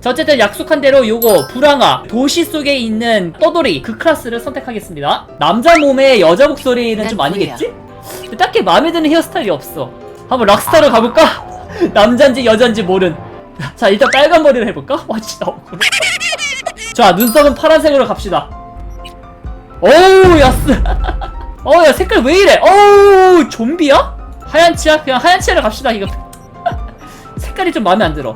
자, 어쨌든 약속한 대로 요거 불황아 도시 속에 있는 떠돌이 그 클래스를 선택하겠습니다. 남자 몸에 여자 목소리는 좀 아니겠지? 근데 딱히 마음에 드는 헤어스타일이 없어. 한번 락스타로 가볼까? 남잔지 여잔지 모른. 자, 일단 빨간 머리를 해볼까? 와, 진짜 억울해. 자, 눈썹은 파란색으로 갑시다. 어우, 야스. 야, 색깔 왜 이래? 어우, 좀비야? 하얀 치아? 그냥 하얀 치아를 갑시다, 이거. 색깔이 좀 마음에 안 들어.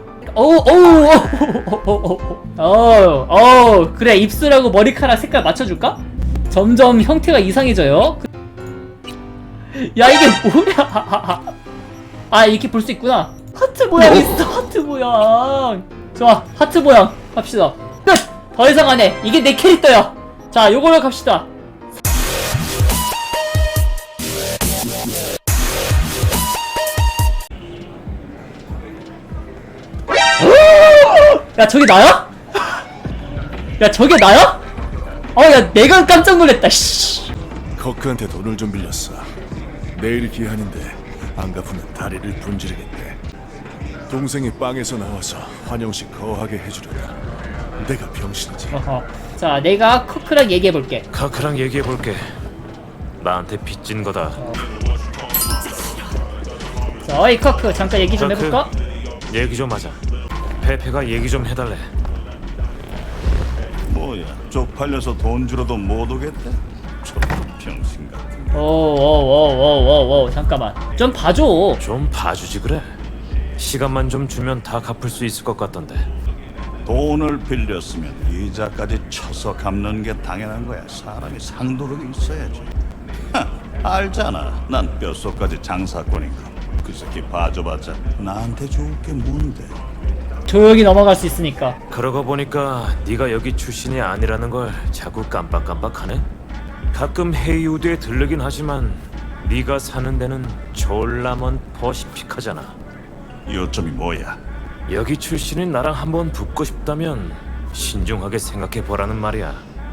그래, 입술하고 머리카락 색깔 맞춰줄까? 점점 형태가 이상해져요. 야, 이게 뭐야? 아, 이렇게 볼 수 있구나. 하트 모양 있어, 하트 모양. 좋아, 하트 모양 갑시다. 끝! 더 이상 안 해. 이게 내 캐릭터야. 자, 요걸로 갑시다. 야, 저게 나야? 야, 저게 나야? 야, 내가 깜짝 놀랐다, 씨. 커크한테 돈을 좀 빌렸어. 내일 기한인데 안 갚으면 다리를 분지르겠대. 동생이 빵에서 나와서 환영식 거하게 해주려다. 내가 병신이지. 자, 내가 커크랑 얘기해볼게. 카크랑 얘기해볼게. 나한테 빚진 거다. 자, 어이 커크, 잠깐 얘기 좀 해볼까? 얘기 좀 하자. 페페가 얘기 좀 해달래. 뭐야, 쪽팔려서 돈 주러도 못 오겠대? 저런 병신 같은. 잠깐만. 좀 봐줘. 좀 봐주지 그래. 시간만 좀 주면 다 갚을 수 있을 것 같던데. 돈을 빌렸으면 이자까지 쳐서 갚는 게 당연한 거야. 사람이 상도력이 있어야지. 알잖아. 난 뼛속까지 장사꾼이고. 그 새끼 봐줘봤자 나한테 좋을 게 뭔데? 조용히 넘어갈 수 있으니까. 그러고 보니까 네가 여기 출신이 아니라는 걸 자꾸 깜빡깜빡하네. 가끔 헤이우드에 들르긴 하지만 네가 사는 데는 졸라 먼 퍼시픽하잖아. 요점이 뭐야? 여기 출신인 나랑 한번 붙고 싶다면 신중하게 생각해보라는 말이야.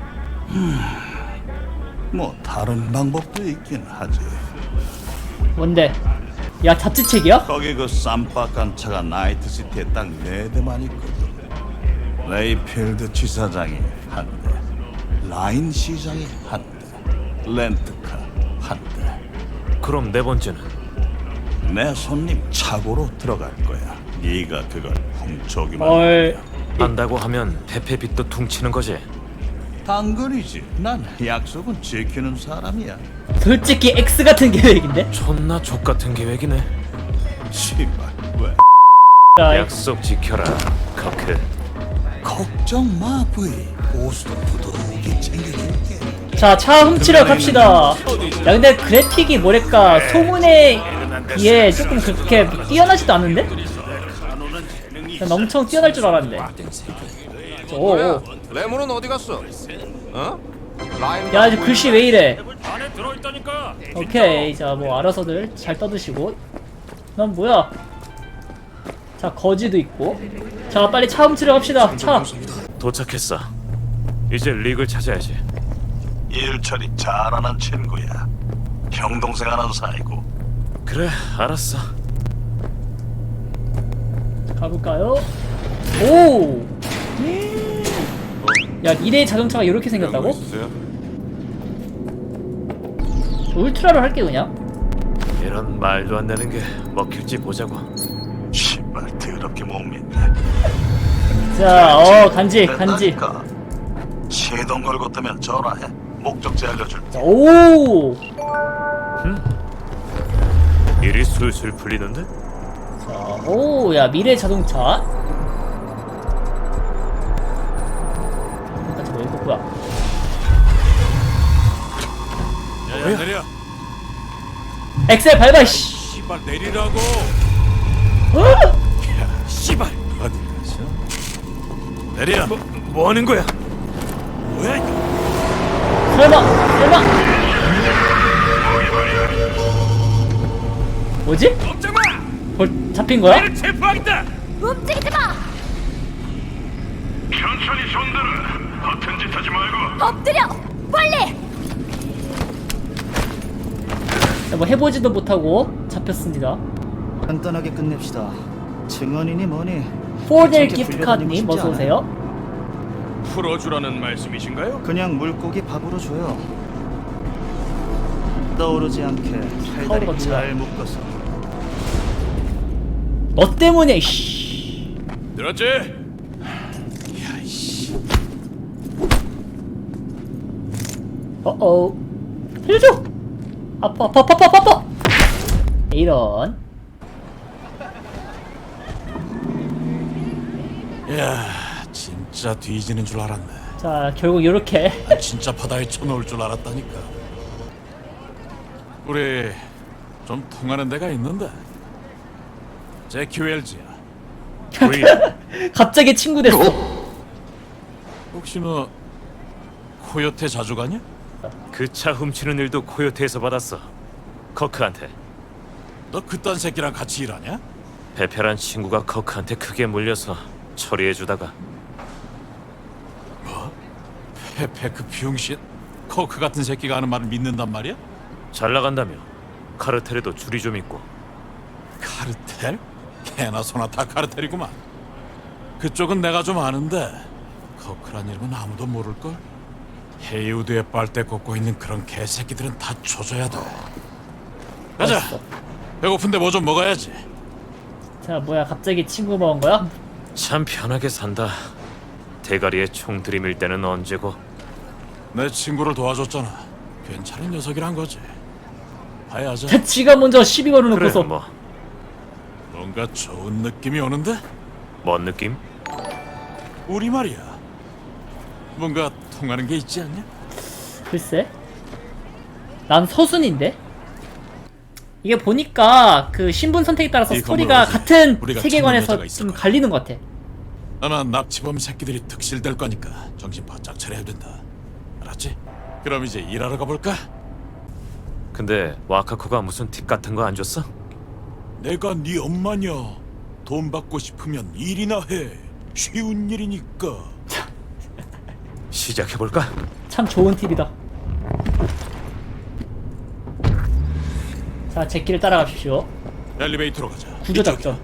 뭐 다른 방법도 있긴 하지. 뭔데? 야, 잡지책이야? 거기 그 쌈박한 차가 나이트시티에 딱 4대만 있거든. 레이필드 지사장이 한 대, 라인 시장이 한 대, 렌트카 한 대. 그럼 네 번째는? 내 손님 차고로 들어갈 거야. 네가 그걸 훔쳐오기만 헐. 하면. 한다고 하면 페페 빚도 퉁치는 거지. 당근이지. 난 약속은 지키는 사람이야. 솔직히 X 같은 계획인데? 존나 족같은 계획이네. 씨발 왜? 자, 약속 지켜라, 커크. 걱정 마 브이. 보수도 부드럽게 챙겨줄게. 자, 차 훔치러 갑시다. 야, 근데 그래픽이 뭐랄까 소문에 비해 조금 그렇게 뛰어나지도 않은데? 난 엄청 뛰어날 줄 알았는데. 오. 레몬은 어디 갔어? 어? 라임 야, 이제 글씨 왜 이래? 안에 들어있다니까. 오케이, 자, 뭐 알아서들 잘 떠드시고. 난 뭐야? 자, 거지도 있고. 자, 빨리 차 훔치러 갑시다. 차. 도착했어. 이제 릭을 찾아야지. 일 처리 잘하는 친구야. 형 동생 하는 사이고. 그래, 알았어. 가볼까요? 오. 야, 미래의 자동차가 이렇게 생겼다고? 울트라로 할게 그냥. 이런 말도 안 되는 게 먹힐지 보자고. 씨발 더럽게 못 믿네. 자, 간지. 됐다니까. 시동 걸고 뜨면 전화해. 목적지 알려줄게. 자, 오. 일이 술술 풀리는데? 자, 오, 야, 미래 자동차. 잠깐, 이거 뭐야? 야야 내려. 엑셀 밟아, 씨. 씨발 내리라고. 씨발! 어디 가서? 내려! 뭐 하는 거야? 뭐야 이거? 설마. 뭐지? 꼼짝마. 잡힌 거야? 나를 체포하겠다. 움직이지 마! 천천히 손들어. 허튼 짓 하지 말고. 엎드려! 빨리! 자, 뭐 해보지도 못하고 잡혔습니다. 간단하게 끝냅시다. 증언이니 뭐니 포델 기프트카드님 어서오세요. 풀어주라는 말씀이신가요? 그냥 물고기 밥으로 줘요. 떠오르지 않게 타오르가 팔다리 잘 뭐야? 묶어서. 너 때문에 씨. 들었지? 어어. 해줘. 아파. 이런. 야, 진짜 뒤지는 줄 알았네. 자 결국 이렇게 진짜 바다에 쳐놓을 줄 알았다니까. 우리 좀 통하는 데가 있는데. 제키 웰즈야. 갑자기 친구 됐어. 혹시 너 코요테 자주 가냐? 그 차 훔치는 일도 코요테에서 받았어. 커크한테. 너 그딴 새끼랑 같이 일하냐? 베페란 친구가 커크한테 크게 물려서 처리해주다가. 페페 그 병신 코크 같은 새끼가 하는 말을 믿는단 말이야? 잘 나간다며. 카르텔에도 줄이 좀 있고. 카르텔? 개나 소나 다 카르텔이구만. 그쪽은 내가 좀 아는데 코크란 이름은 아무도 모를걸? 헤이우드에 빨대 꽂고 있는 그런 개새끼들은 다 조져야 돼. 가자. 맛있어. 배고픈데 뭐 좀 먹어야지. 자 뭐야 갑자기 친구 먹은 거야? 참 편하게 산다. 대가리에 총 들이밀 때는 언제고. 내 친구를 도와줬잖아. 괜찮은 녀석이란 거지. 봐야죠. 자, 지가 먼저 시비 걸어놓고서 그래 뭐. 뭔가 좋은 느낌이 오는데? 뭔 느낌? 우리 말이야. 뭔가 통하는 게 있지 않냐? 글쎄 난 서순인데? 이게 보니까 그 신분 선택에 따라서 이 스토리가 건물 같은 우리가 세계관에서 찾는 여자가 있을 좀 거야. 갈리는 것 같아. 아마 납치범 새끼들이 득실될 거니까 정신 바짝 차려야 된다. 알았지? 그럼 이제 일하러 가볼까? 근데 와카코가 무슨 팁 같은 거 안 줬어? 내가 네 엄마냐. 돈 받고 싶으면 일이나 해. 쉬운 일이니까. 시작해볼까? 참 좋은 팁이다. 자 제끼를 따라가십시오. 엘리베이터로 가자. 구조작전.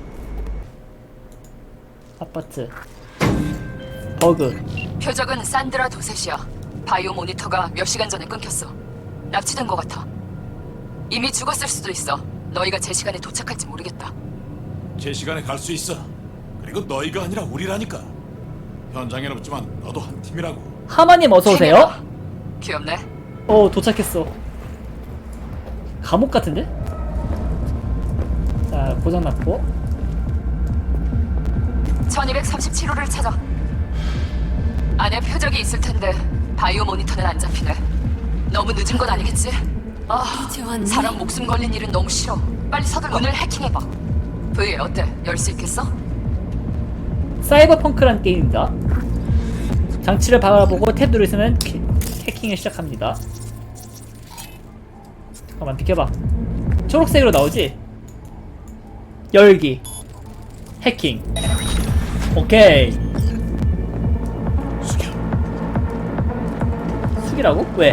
아파트. 버그. 표적은 산드라 도셋이야. 바이오 모니터가 몇 시간 전에 끊겼어. 납치된 것 같아. 이미 죽었을 수도 있어. 너희가 제 시간에 도착할지 모르겠다. 제 시간에 갈 수 있어. 그리고 너희가 아니라 우리라니까. 현장엔 없지만 너도 한 팀이라고. 하마님 어서오세요. 팀이다. 귀엽네. 도착했어. 감옥 같은데? 자 고장났고 1237호를 찾아. 안에 표적이 있을 텐데 바이오 모니터는 안 잡히네. 너무 늦은 건 아니겠지? 사람 목숨 걸린 일은 너무 싫어. 빨리 서둘러. 문을 해킹해봐. V 어때? 열 수 있겠어? 사이버펑크란 게임입니다. 장치를 바라보고 탭 누르시면 해킹을 시작합니다. 잠깐만 비켜봐. 초록색으로 나오지? 열기 해킹. 오케이. 숙여. 숙이라고? 왜?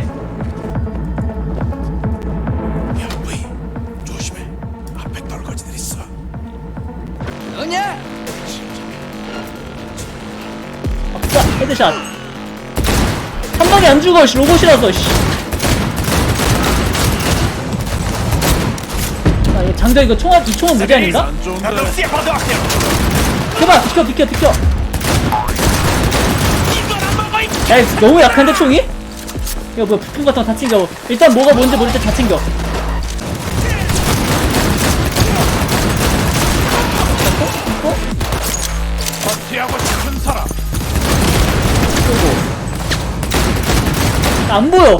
야, 브이. 조심해. 앞에 떨거지들 있어. 아싸 헤드샷. 한 방에 안 죽어 씨, 로봇이라서 씨. 아, 얘 장전 이거 총알 이 총은 무리 아닌가? 안 좋은데. 비켜. 야 이거 너무 약한데 총이? 이거 뭐야 부품 같은 거 다 챙겨. 일단 뭐가 뭔지 모를 때 다 챙겨. 피하고 싶은 사람. 안 보여.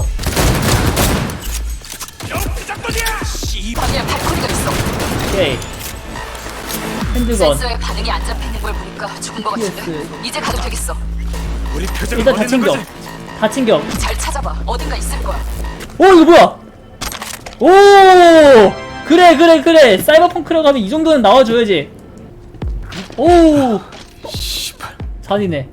방에 발코니가 있어. 오케이. 핸드건. 센서에 반응이 안 잡히는 걸 보니까 죽은 것 같은데. 예스. 이제 가도 되겠어. 우리 표정을 일단 다 버리는 챙겨. 거지? 다 챙겨. 잘 찾아봐. 어딘가 있을 거야. 오 이거 뭐야? 오 그래. 사이버펑크라고 하면 이 정도는 나와줘야지. 오 씨발. 잔이네.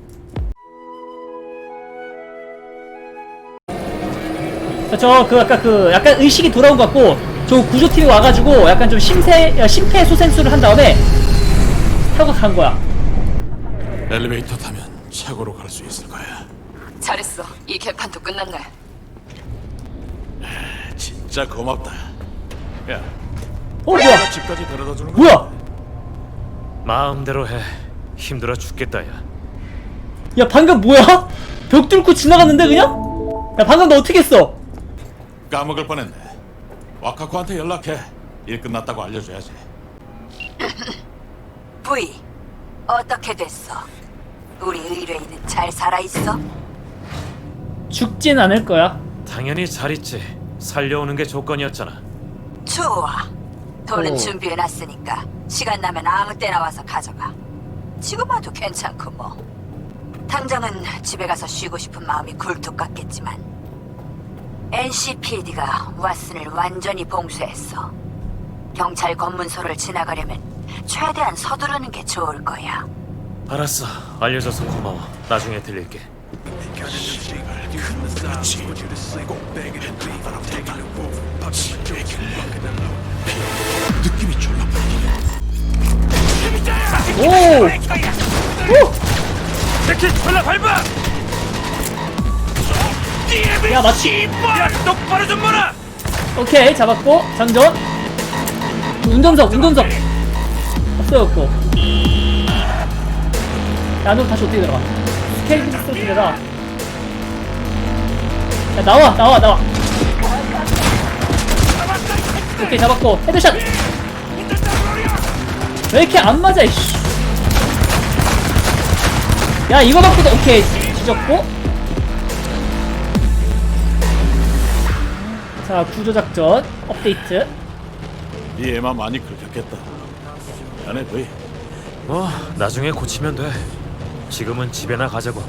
저 그 아까 그 약간 의식이 돌아온 것 같고 저 구조팀이 와가지고 약간 좀 심폐소생술을 한 다음에 타고 간 거야. 엘리베이터 타면 차고로 갈 수 있을 거야. 잘했어. 이 개판도 끝났네. 진짜 고맙다. 야, 뭐야? 내가 집까지 데려다 주는 거야. 뭐야? 마음대로 해. 힘들어 죽겠다 야. 야 방금 뭐야? 벽 뚫고 지나갔는데 그냥? 야 방금 너 어떻게 했어? 까먹을 뻔했네. 와카코한테 연락해. 일 끝났다고 알려줘야지. 부이, 어떻게 됐어? 우리 의뢰인은 잘 살아있어? 죽진 않을 거야. 당연히 잘 있지. 살려오는 게 조건이었잖아. 좋아. 돈은 오. 준비해놨으니까 시간 나면 아무 때나 와서 가져가. 지금 와도 괜찮고 뭐. 당장은 집에 가서 쉬고 싶은 마음이 굴뚝 같겠지만 NCPD가 왓슨을 완전히 봉쇄했어. 경찰 검문소를 지나가려면 최대한 서두르는 게 좋을 거야. 알았어. 알려줘서 고마워. 나중에 들릴게. 느낌이 졸라 오! 새끼 졸라 밟아! 야 맞지? 야 똑바로 좀 봐라! 오케이 잡았고 장전. 운전석 없어졌고. 야 너 다시 어떻게 들어가? 스케일 스트라. 야 나와. 오케이 잡았고 헤드샷. 왜 이렇게 안 맞아 이씨. 야 이거 맞고도 오케이 뒤졌고. 자 구조작전 업데이트. 이 애만 많이 긁혔겠다. 안에 거의 뭐 나중에 고치면 돼. 지금은 집에나 가자고.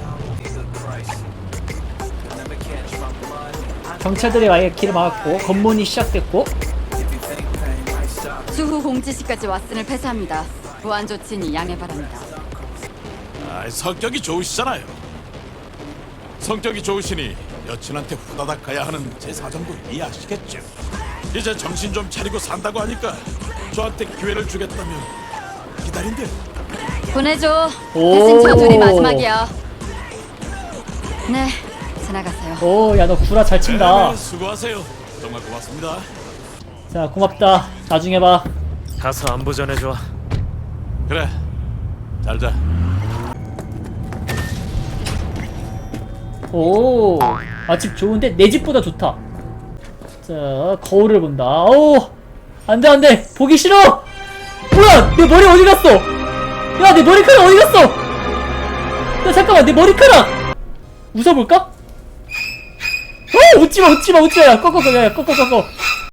경찰들이 아예 길을 막았고 검문이 시작됐고. 추후 공지 시까지 왓슨을 폐쇄합니다. 보안 조치니 양해 바랍니다. 성격이 좋으시잖아요. 성격이 좋으시니 여친한테 후다닥 가야 하는 제 사정도 이해하시겠죠. 이제 정신 좀 차리고 산다고 하니까 저한테 기회를 주겠다면 기다린대. 보내줘. 오. 대신 저 둘이 마지막이야. 네, 지나가세요. 오 야 너 구라 잘 친다. 네, 수고하세요. 정말 고맙습니다. 자 고맙다. 나중에 봐. 가서 안부 전해줘. 그래, 잘 자. 오, 아, 집 좋은데? 내 집보다 좋다. 자, 거울을 본다. 오, 안 돼. 보기 싫어! 뭐야! 내 머리 어디 갔어? 야, 내 머리카락 어디 갔어? 야, 잠깐만, 내 머리카락! 웃어볼까? 오! 웃지마! 야, 꺼.